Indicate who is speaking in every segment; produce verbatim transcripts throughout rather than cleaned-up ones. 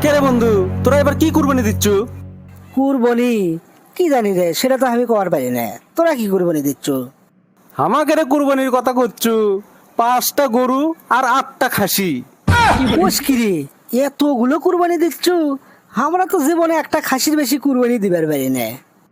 Speaker 1: কে রে বন্ধু, তোরা এবার কি কুরবানি দিচ্ছ?
Speaker 2: কুরবানি কি জানি রে, সেটা তো আমি কবার পারি না। তোরা কি কুরবানি দিচ্ছ?
Speaker 1: আমাকে রে কুরবানির কথা করছো? পাঁচটা গরু আর আটটা খাসি।
Speaker 2: কোষ কি রে, এতগুলো কুরবানি দিচ্ছ? আমরা তো জীবনে একটা খাসির বেশি কুরবানি দিবার পারি না।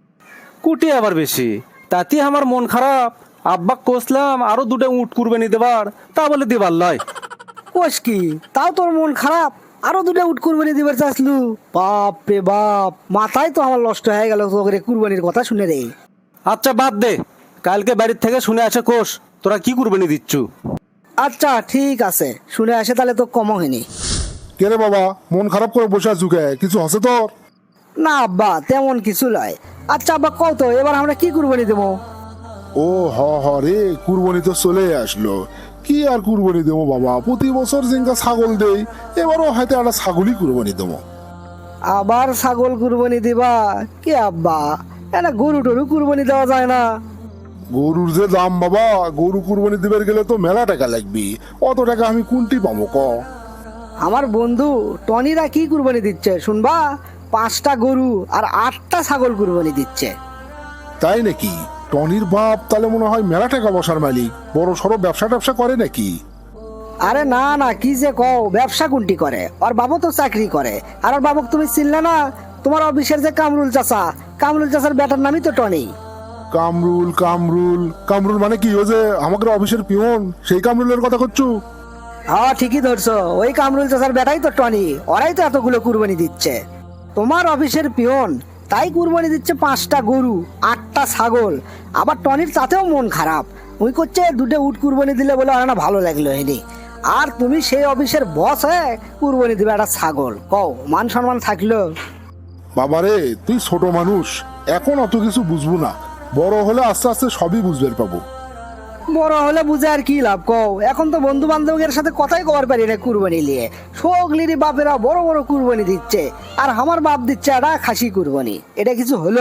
Speaker 1: কুটি আবার বেশি, তাতে আমার মন খারাপ। আব্বা কোসলাম আরো দুটো উট কুরবানি দেবার, তা বলে দিবার লয়।
Speaker 2: কোষ কি, তাও তোর মন খারাপ? আরো দুটো উট কুরবানি দিবার চাইছলু? বাপ রে বাপ, মাথায় তো আমার নষ্ট হয়ে গেল তোকে কুরবানির কথা শুনে রে।
Speaker 1: আচ্ছা বাদ দে, কালকে বাড়ির থেকে শুনে আসে কোষ তোরা কি কুরবানি দিচ্ছ।
Speaker 2: আচ্ছা ঠিক আছে, শুনে আসে তাহলে তো কম হয়নি।
Speaker 3: কে রে বাবা, মন খারাপ করে বসে আছো কে? কিছু হসে তোর?
Speaker 2: না আব্বা, তেমন কিছু নয়। আচ্ছা আব্বা কও তো, এবার আমরা কি কুরবানি দেবো?
Speaker 3: ও হ হ রে, কুরবানি তো চলে আসলো। কি আর কুরবানি দেবো বাবা, প্রতি বছর জিঙ্কা ছাগল দেই, এবারও হয়তো একটা ছাগলই কুরবানি দেবো।
Speaker 2: আবার ছাগল কুরবানি দিবা? কি আব্বা, এটা গরু টরু কুরবানি দেওয়া যায় না?
Speaker 3: গরুর যে দাম বাবা, গরু কুরবানি দিবার গেলে তো মেলা টাকা লাগবে। অত টাকা আমি কোনটি পাবো ক?
Speaker 2: আমার বন্ধু টনিরা কি কুরবানি দিচ্ছে শুনবা? পাঁচটা গরু আর আটটা ছাগল কুরবানি দিচ্ছে।
Speaker 3: তাই নাকি? টনির বাপ তাহলে মনে হয় মেলা টাকা বসার মালিক, বড় সড়ো ব্যবসা ট্যাবসা করে নাকি?
Speaker 2: আরে না না, কি যে কও, ব্যবসা কোনটি করে? ওর বাবু তো চাকরি করে। আর ওর বাবুক তুমি চিনলে না? তোমার অফিসের যে কামরুল চাচা, কামরুল চাচার বেটার নামই তো টনি।
Speaker 3: কামরুল কামরুল কামরুল মানে কি? ও যে আমাদের অফিসের পিয়ন, সেই কামরুলের কথা করছো?
Speaker 2: হ্যাঁ ঠিকই ধরছো, ওই কামরুল চাচার বেটাই তো টনি। ওরাই তো এতগুলো কুরবানি দিচ্ছে। তোমার অফিসের পিয়ন তাই কুরবানি দিচ্ছে পাঁচটা গরু আটটা ছাগল। আবার টনির তাতেও মন খারাপ, ওই করছে দুটো উট কুরবানি দিলে বলে আর না ভালো লাগলো হয়নি। আর তুমি সেই অফিসের বস হয়ে কুরবানি দিবে একটা ছাগল, কও মান সম্মান থাকলো?
Speaker 3: বাবারে, তুই ছোট মানুষ, এখন অত কিছু বুঝবো না। বড় হলে আস্তে আস্তে সবই বুঝবে পাবো।
Speaker 2: বড় হলে বুঝে আর কি লাভ কও? এখন তো বন্ধু বান্ধবের সাথে কথাই কবার পারি না কুরবানি নিয়ে। সগলিরি বাপেরা বড় বড় কুরবানি দিচ্ছে, আর আমার বাপ দিচ্ছে একটা খাসি কুরবানি। এটা কিছু হলো?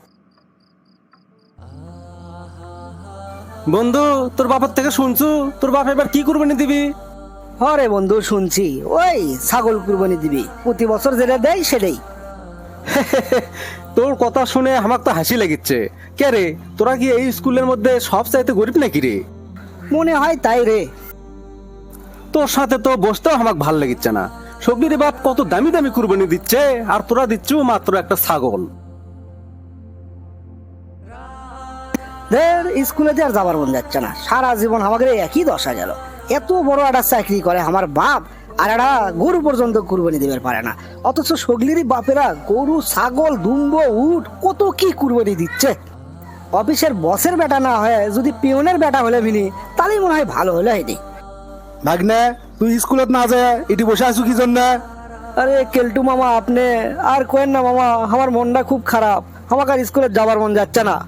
Speaker 1: বন্ধু, তোর বাবার থেকে শুনছু তোর বাপ এবার কি কুরবানি দিবি?
Speaker 2: হরে বন্ধু শুনছি, ওই ছাগল কুরবানি দিবি, প্রতি বছর যেটা দেয় সেটাই।
Speaker 1: তোর কথা শুনে আমার তো হাসি লেগেছে। কে রে, তোরা কি এই স্কুলের মধ্যে সব চাইতে গরিব নাকি রে?
Speaker 2: মনে হয় তাই রে।
Speaker 1: তোর সাথে তো বসতেও আমার ভাল লেগেছে না। সবজির বাপ কত দামি দামি কুরবানি দিচ্ছে, আর তোরা দিচ্ছ মাত্র একটা ছাগল।
Speaker 2: দের স্কুলে যে আর যাবার মন যাচ্ছে না, সারা জীবন আমাকে একই দশা গেল। এত বড় একটা চাকরি করে আমার বাপ, আর একটা গরু পর্যন্ত কুরবানি দিতে পারে না। অথচ সগলিরই বাপেরা গরু ছাগল দুম্ব উট কত কি কুরবানি দিচ্ছে। অফিসের বসের বেটা না হয়ে যদি পিয়নের বেটা হলে মিনি, তাহলেই মনে হয় ভালো হলে হয়নি।
Speaker 1: ভাগ্নে, তুই স্কুলত না যায় এটি বসে আছো কি জন্য?
Speaker 2: আরে কেলটু মামা, আপনি আর কোয়েন না মামা, আমার মনটা খুব খারাপ। আমাকে আর স্কুলে যাবার মন যাচ্ছে না।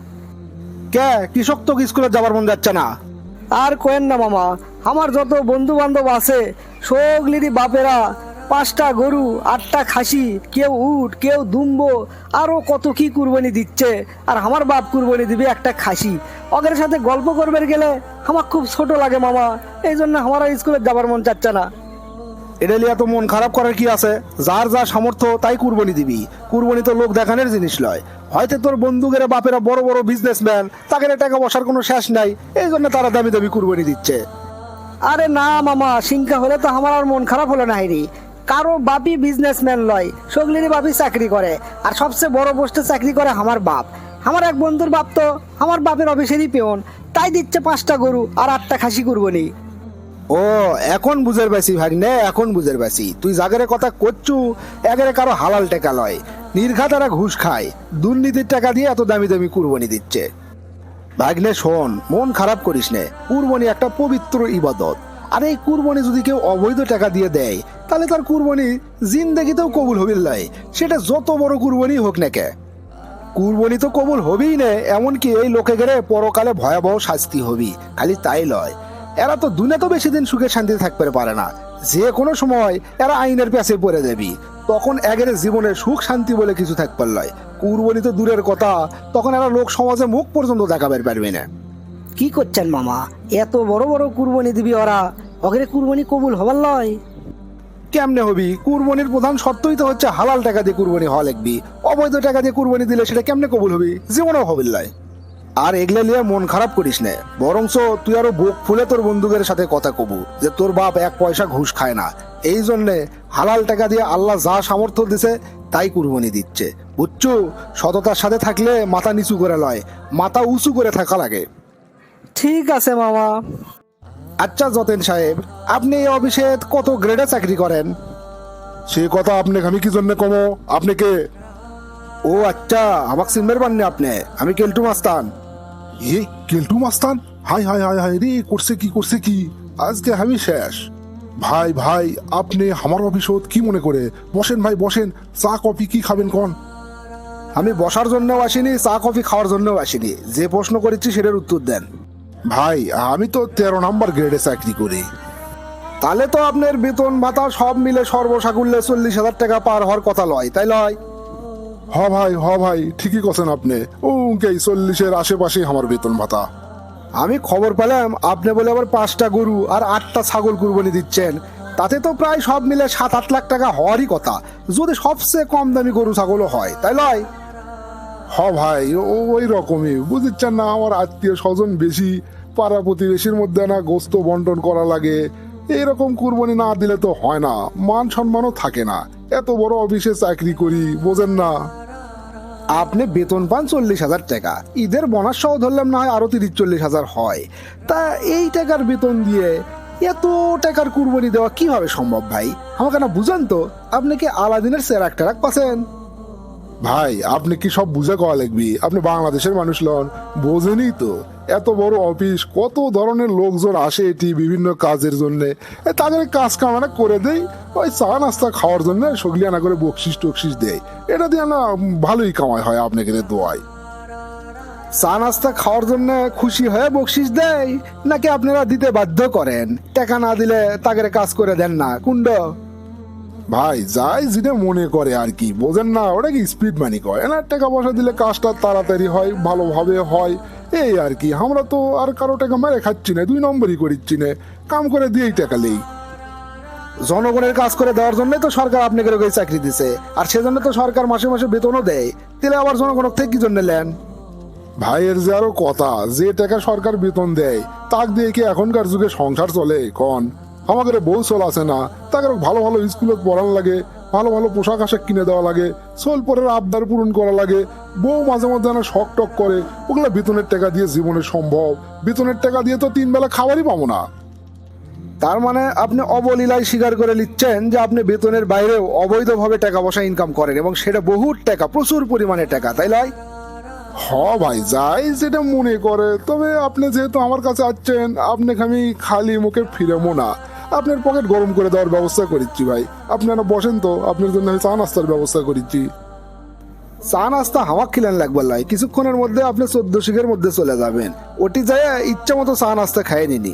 Speaker 1: কে কৃষক তো স্কুলে যাবার মন যাচ্ছে না?
Speaker 2: আর কোয়েন না মামা, আমার যত বন্ধু বান্ধব আছে সগলিরই বাপেরা পাঁচটা গরু আটটা খাসি, কেউ উট কেউ দুম্ব, আরো কত কি কুরবানি দিচ্ছে। আর আমার বাপ কুরবানি দিবে একটা খাসি। ওদের সাথে গল্প করবে গেলে আমার খুব ছোট লাগে মামা, এই জন্য আমার আর স্কুলে যাবার মন চাচ্ছে না।
Speaker 1: এটা লিয়া তো মন খারাপ করার কি আছে? যার যা সামর্থ্য তাই কুরবানি দিবি। কুরবানি তো লোক দেখানোর জিনিস লয়। হয়তো তোর বন্ধুকের বাপেরা বড় বড় বিজনেসম্যান, তাদের টাকা বসার কোনো শেষ নাই, এই জন্য তারা দামি দামি কুরবানি দিচ্ছে।
Speaker 2: আরে না মামা, সিংকা হলে তো আমার আর মন খারাপ হলো না হাইরি। কারো বাপি বিজনেসম্যান লয়, সগলিরই বাপি চাকরি করে, আর সবচেয়ে বড় পোস্টে চাকরি করে আমার বাপ। আমার এক বন্ধুর বাপ তো আমার বাপের অফিসেরই পেয়ন, তাই দিচ্ছে পাঁচটা গরু আর আটটা খাসি কুরবানি।
Speaker 1: ও, এখন বুঝের পাইছি ভাগ্নে, এখন বুঝের পাইছি। তুই জাগের কথা করছু, এগারে কারো হালাল টাকা লয়, নির্ঘাত তারা ঘুষ খায়, দুর্নীতির টাকা দিয়ে এত দামি দামি কুরবানি দিচ্ছে। ভাগ্নে শোন, মন খারাপ করিস নে। কুরবানি একটা পবিত্র ইবাদত, আর এই কুরবানি যদি কেউ অবৈধ টাকা দিয়ে দেয়, তাহলে তার কুরবানি জিন্দেগিতেও কবুল হবির লয়, সেটা যত বড় কুরবানি হোক না কে। কুরবানি তো কবুল হবেই না, এমনকি এই লোকে গেলে পরকালে ভয়াবহ শাস্তি হবি। খালি তাই লয়, এরা তো দুনিয়া তো বেশি দিন সুখে শান্তিতে থাকতে পারে না। যে কোনো সময় এরা আইনের পেছে পড়ে যাবি, তখন একের জীবনে সুখ শান্তি বলে কিছু থাকতে লয়। কুরবানি তো দূরের কথা, তখন এরা লোক সমাজে মুখ পর্যন্ত দেখাবার পারবে না।
Speaker 2: কি করছেন মামা, এত বড় বড় কুরবানি দিবি ওরা, ওকে কুরবানি কবুল হবার লয়?
Speaker 1: কেমনে হবি? কুরবানির প্রধান শর্তই তো হচ্ছে হালাল টাকা দিয়ে কুরবানি হওয়া লাগবি। অবৈধ টাকা দিয়ে কুরবানি দিলে সেটা কেমনে কবুল হবি? জীবনেও হবিল লাই। আর এগুলা নিয়ে মন খারাপ করিস না, বরংস তুই আরো বুক ফুলে তোর বন্ধুদের সাথে কথা কবু যে তোর বাপ এক পয়সা ঘুষ খায় না, এই জন্যে হালাল টাকা দিয়ে আল্লাহ যা সামর্থ্য দিছে তাই কুরবানি দিচ্ছে। বুঝছো, সততার সাথে থাকলে মাথা নিচু করে লয়, মাথা উঁচু করে থাকা লাগে।
Speaker 2: ঠিক আছে মামা।
Speaker 1: আচ্ছা যতেন সাহেব, আপনি এই অফিসে কত গ্রেডে চাকরি করেন?
Speaker 3: সে কথা আপনি আমি কি জন্য কমো? আপনি কে?
Speaker 1: ও আচ্ছা, আমাকে চিনবার পাননি আপনি? আমি কেলটু মাস্তান।
Speaker 3: এ কেলটু মাস্তান? হাই হাই হাই হাই রে, করছে কি করছে কি? আজকে আমি শেষ। ভাই ভাই, আপনি আমার অফিসত কি মনে করে? বসেন ভাই বসেন, চা কফি কি খাবেন কোন?
Speaker 1: আমি বসার জন্যও আসিনি, চা কফি খাওয়ার জন্যও আসিনি। যে প্রশ্ন করেছি সেটার উত্তর দেন।
Speaker 3: ভাই আমি তো তেরো নাম্বার গ্রেডে চাকরি করি।
Speaker 1: তাহলে তো আপনার বেতন ভাতা সব মিলে সর্বসাকুল্যে চল্লিশ হাজার টাকা পার হওয়ার কথা লয়, তাই লয়?
Speaker 3: হ ভাই হ ভাই, ঠিকই কথা আপনি। ও কে চল্লিশের আশেপাশে আমার বেতন ভাতা।
Speaker 1: আমি খবর পেলাম আপনি বলে আবার পাঁচটা গরু আর আটটা ছাগল কুরবানি দিচ্ছেন। তাতে তো প্রায় সব মিলে সাত আট লাখ টাকা হওয়ারই কথা, যদি সবচেয়ে কম দামি গরু ছাগলও হয়, তাই লয়?
Speaker 3: হ ভাই, ও ওই রকমই বুঝছেন না, আমার আত্মীয় স্বজন বেশি, পাড়া প্রতিবেশীর মধ্যে না গোস্ত বন্টন করা লাগে। এইরকম কুরবানি না দিলে তো হয় না, মান সম্মানও থাকে না। এত বড় অফিসে চাকরি করি, বোঝেন না?
Speaker 1: আপনি বেতন পান চল্লিশ হাজার টাকা, ঈদের বোনাস সহ ধরলাম না হয় আরো তিরিশ চল্লিশ হাজার হয়। তা এই টাকার বেতন দিয়ে এত টাকার কুরবানি দেওয়া কিভাবে সম্ভব ভাই? আমাকে না বুঝান তো, আপনি কি আলাদিনের সেরাক টেরাক পাচ্ছেন?
Speaker 3: ভাই আপনি কি সব বুঝে কওয়া লাগবি? আপনি বাংলাদেশের মানুষ লন, বোঝেনই তো। এত বড় অফিস, কত ধরনের লোকজন আসে এটি বিভিন্ন কাজের জন্য। তাদের কাজ কামানা করে দেই, ওই চা নাস্তা খাওয়ার জন্য সগলিয়া না করে বকশিস টকশিস দেয়। এটা দিয়ে না ভালোই কামাই হয় আপনাকে দোয়াই।
Speaker 1: চা নাস্তা খাওয়ার জন্য খুশি হয়ে বকশিস দেয়, নাকি আপনারা দিতে বাধ্য করেন? টাকা না দিলে তাদের কাজ করে দেন না কুণ্ড?
Speaker 3: ভাই যাই যেটা মনে করে আর কি, বোঝেন না? ওটা কি স্পিড মানি কয় না, টাকা পয়সা দিলে কাজটা তাড়াতাড়ি হয়, ভালোভাবে হয়, এই আর কি। আমরা তো আর কারো টাকা মেরে খাচ্ছি না, দুই নম্বরই করিচ্ছি না, কাম করে দিয়েই টাকা লেই।
Speaker 1: জনগণের কাজ করে দেওয়ার জন্যই তো সরকার আপনাকে ওই চাকরি দিছে, আর সেজন্য তো সরকার মাসে মাসে বেতনও দেয়। তাহলে আবার জনগণের থেকে কি জন্য নেন?
Speaker 3: ভাইয়ের যে আরো কথা, যে টাকা সরকার বেতন দেয় তাক দিয়ে কি এখনকার যুগে সংসার চলে কন? আমাদের বউ চল আছে না, তাকে ভালো ভালো স্কুলে পড়ান লাগে, ভালো ভালো পোশাক আশাক কিনে দেওয়া লাগে, সোল পরের আবদার পূরণ করা লাগে। বউ মাঝে মধ্যে না শখ টক করে, ওগুলা বেতনের টাকা দিয়ে জীবনে সম্ভব? বেতনের টাকা দিয়ে তো তিন বেলা খাবারই পাবো না।
Speaker 1: তার মানে আপনি অবলীলায় স্বীকার করে নিচ্ছেন যে আপনি বেতনের বাইরেও অবৈধভাবে টাকা পয়সা ইনকাম করেন, এবং সেটা বহুত টাকা, প্রচুর পরিমাণে টাকা, তাই নয়?
Speaker 3: হ ভাই, যাই যেটা মনে করে। তবে আপনি যেহেতু আমার কাছে আসছেন, আপনাকে আমি খালি মুখে ফিরেমো না, আপনার পকেট গরম করে দেওয়ার ব্যবস্থা করিচ্ছি ভাই। আপনারা বসেন তো, আপনার জন্য আমি চা নাস্তার ব্যবস্থা করিচ্ছি।
Speaker 1: চা নাস্তা হাওয়া খিলেন লাগবার লাই, কিছুক্ষণের মধ্যে আপনি চোদ্দ শিখের মধ্যে চলে যাবেন। ওটি যায় ইচ্ছা মতো চা নাস্তা খাইয়ে নিনি।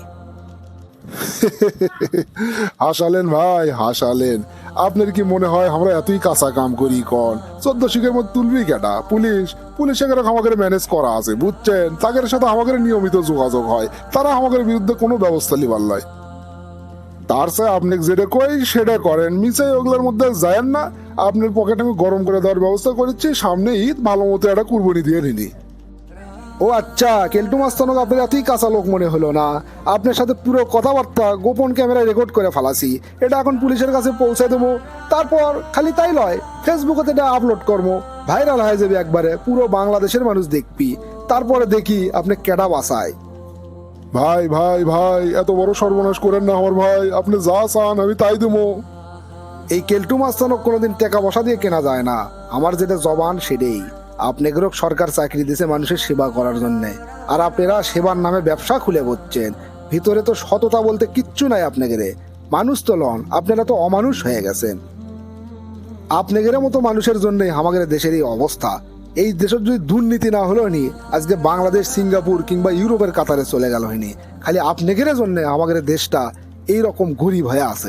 Speaker 3: হাসালেন ভাই হাসালেন। আপনার কি মনে হয় আমরা এতই কাঁচা কাম করি কন? চোদ্দ শিখের মধ্যে তুলবি কেটা? পুলিশ পুলিশ এখানে আমাদের ম্যানেজ করা আছে, বুঝছেন? তাদের সাথে আমাদের নিয়মিত যোগাযোগ হয়, তারা আমাদের বিরুদ্ধে কোনো ব্যবস্থা লিবার লয়। তার চেয়ে আপনি যেটা কই সেটা করেন, মিশে ওগুলোর মধ্যে যায়েন না। আপনার পকেট আমি গরম করে দেওয়ার ব্যবস্থা করেছি, সামনে ঈদ, ভালো মতো একটা কুরবানি দিয়ে নিনি।
Speaker 1: ও আচ্ছা, কেলটু মাস্তানক আপনার এতই কাঁচা লোক মনে হলো না। আপনার সাথে পুরো কথাবার্তা গোপন ক্যামেরায় রেকর্ড করে ফেলাছি, এটা এখন পুলিশের কাছে পৌঁছে দেবো। তারপর খালি তাই লয়, ফেসবুকে এটা আপলোড করবো, ভাইরাল হয়ে যাবে একবারে, পুরো বাংলাদেশের মানুষ দেখবি। তারপরে দেখি আপনি কেডা বাসায়।
Speaker 3: ভাই ভাই ভাই, এত বড় সর্বনাশ করেন না আমার ভাই। আপনি যা চান আমি তাই দেবো।
Speaker 1: এই কেলটু মাস্তানক কোনোদিন টাকা পয়সা দিয়ে কেনা যায় না। আমার যেটা জবান সেটাই। আপনাদেরও সরকার চাকরি দিয়েছে মানুষের সেবা করার জন্য, আর আপনারা সেবার নামে ব্যবসা খুলে বসছেন। ভিতরে তো সততা বলতে কিচ্ছু নাই আপনাদের। মানুষ তো লন, আপনারা তো অমানুষ হয়ে গেছেন। আপনাদের মতো মানুষের জন্যই আমাদের দেশের এই অবস্থা। এই দেশের যদি দুর্নীতি না হলো নি, আজকে বাংলাদেশ সিঙ্গাপুর কিংবা ইউরোপের কাতারে চলে গেল হয়নি। খালি আপনাদের জন্য আমাদের দেশটা এইরকম গরিব হয়ে আছে।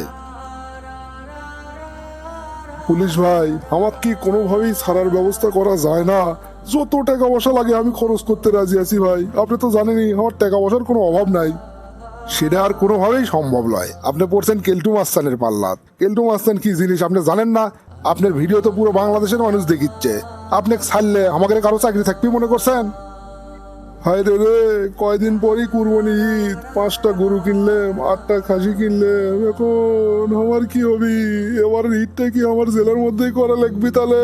Speaker 3: পুলিশ ভাই, আমার কি কোনোভাবেই ছাড়ার ব্যবস্থা করা যায় না? যত টাকা পয়সা লাগে আমি খরচ করতে রাজি আছি ভাই। আপনি তো জানেনই আমার টাকা পয়সার কোনো অভাব নাই। সেটা আর কোনোভাবেই সম্ভব নয়। আপনি পড়ছেন কেলটু মাস্তানের পাল্লাত। কেলটু মাস্তান কি জিনিস আপনি জানেন না? আপনার ভিডিও তো পুরো বাংলাদেশের মানুষ দেখিচ্ছে। আপনি ছাড়লে আমাকে কারো চাকরি থাকবি মনে করছেন? হায় রে রে, কয়দিন পরই কুরবানি ঈদ, পাঁচটা গরু কিনলাম, আটটা খাসি কিনলাম, এখন আমার কি হবি? এবার ঈদটা কি আমার জেলার মধ্যেই করা লাগবে তাহলে?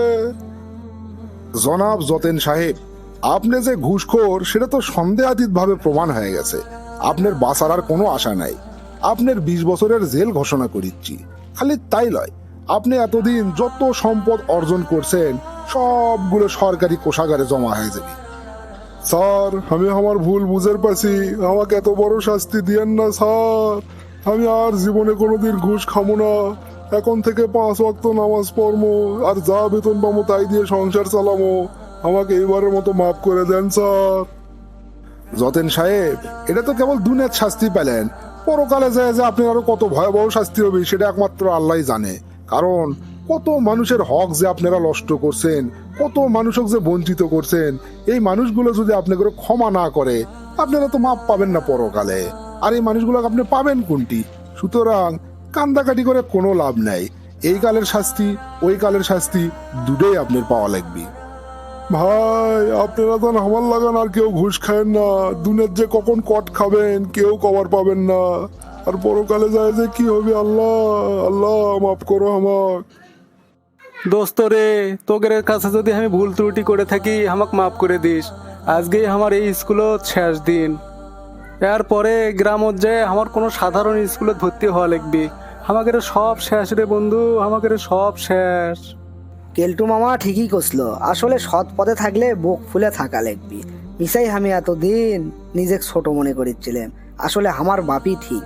Speaker 1: জনাব যতেন সাহেব, আপনি যে ঘুষখোর সেটা তো সন্দেহাতীত ভাবে প্রমাণ হয়ে গেছে। আপনার বাঁচার আর কোনো আশা নাই। আপনার বিশ বছরের জেল ঘোষণা করিচ্ছি। খালি তাই লয়, আপনি এতদিন যত সম্পদ অর্জন করছেন সবগুলো সরকারি কোষাগারে জমা হয়ে যাবে।
Speaker 3: স্যার, আমি আমার ভুল বুঝের পাছি, আমাকে এত বড় শাস্তি দিয়েন না স্যার। আমি আর জীবনে কোনোদিন ঘুষ খামো না। এখন থেকে পাঁচ ওয়াক্ত নামাজ পড়বো, আর যা বেতন পাবো তাই দিয়ে সংসার চালামো। আমাকে এইবারের মতো মাফ করে দেন স্যার।
Speaker 1: যতেন সাহেব, এটা তো কেবল দুনিয়ার শাস্তি পেলেন। পরকালে যায় যে আপনি আরো কত ভয়াবহ শাস্তি হবে সেটা একমাত্র আল্লাহই জানে। কারণ কত মানুষের হক যে আপনারা নষ্ট করছেন, কত মানুষক যে বঞ্চিত করছেন, এই মানুষগুলো যদি আপনাকে ক্ষমা না করে আপনারা তো মাপ পাবেন না পরকালে। আর এই মানুষগুলোকে আপনি পাবেন কোনটি? সুতরাং কান্দাকাটি করে কোনো লাভ নাই। এই কালের শাস্তি, ওই কালের শাস্তি দুটোই আপনার পাওয়া লাগবে।
Speaker 3: ভাই, আপনারা তো আমার লাগান আর কেউ ঘুষ খায়েন না। দুনিয়ার যে কখন কট খাবেন কেউ কবার পাবেন না। আর পরকালে যায় যে কি হবে, আল্লাহ আল্লাহ মাফ করো আমাক।
Speaker 4: দোস্ত রে, তোদের কাছে যদি আমি ভুল ত্রুটি করে থাকি আমাকে মাফ করে দিস। আজকেই আমার এই স্কুলত শেষ দিন। এরপরে গ্রামত যে আমার কোনো সাধারণ স্কুলে ভর্তি হওয়া লাগবে। আমাদের সব শেষ রে বন্ধু, আমাদের সব শেষ।
Speaker 2: কেলটু মামা ঠিকই কষলো, আসলে সৎ পথে থাকলে বুক ফুলে থাকা লাগবে। মিসাই আমি এতদিন নিজে ছোট মনে করেছিলাম, আসলে আমার বাপই ঠিক।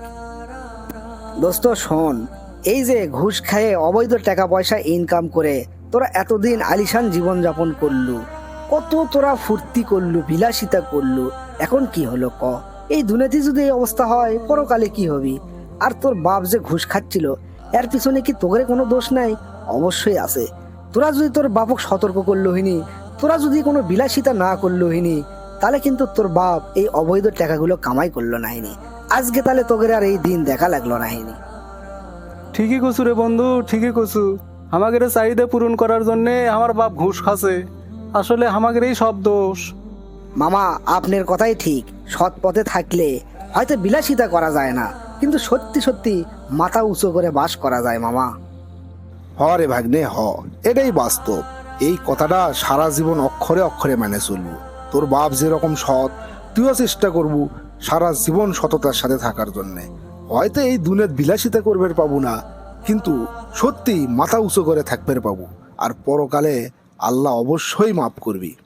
Speaker 2: দোস্ত শোন, এই যে ঘুষ খায়ে অবৈধ টাকা পয়সা ইনকাম করে তোরা এতদিন আলিশান জীবন যাপন করলু, কত তোরা ফুর্তি করলু, বিলাসিতা করলু, এখন কি হলো ক? এই দুনিয়াতে যদি এই অবস্থা হয় পরকালে কি হবি? আর তোর বাপ যে ঘুষ খাচ্ছিল এর পিছনে কি তোদের কোনো দোষ নাই? অবশ্যই আছে। তোরা যদি তোর বাপক সতর্ক করলো হিনি, তোরা যদি কোনো বিলাসিতা না করলো হিনি, তাহলে কিন্তু তোর বাপ এই অবৈধ টাকাগুলো কামাই করলো নাহিনি। আজকে তাহলে তোদের আর এই দিন দেখা লাগলো নাহিনি।
Speaker 4: ঠিকই কছু রে বন্ধু, ঠিকই কছু। আমাদের চাহিদা পূরণ করার জন্যে আমার বাপ ঘুষ খাচ্ছে। আসলে আমাদের এই সব দোষ।
Speaker 2: মামা, আপনার কথাই ঠিক। সৎ পথে থাকলে হয়তো বিলাসিতা করা যায় না, কিন্তু সত্যি সত্যি মাথা উঁচু করে বাস করা যায় মামা।
Speaker 1: হ রে ভাগ্নে হ, এটাই বাস্তব। এই কথাটা সারা জীবন অক্ষরে অক্ষরে মেনে চলবো। তোর বাপ যেরকম সৎ, তুইও চেষ্টা করবু সারা জীবন সততার সাথে থাকার জন্যে। হয়তো এই দুনিয়ার বিলাসিতা করবে পাবো না, কিন্তু সত্যি মাথা উঁচু করে থাকবে পাবো। আর পরকালে আল্লাহ অবশ্যই মাফ করবি।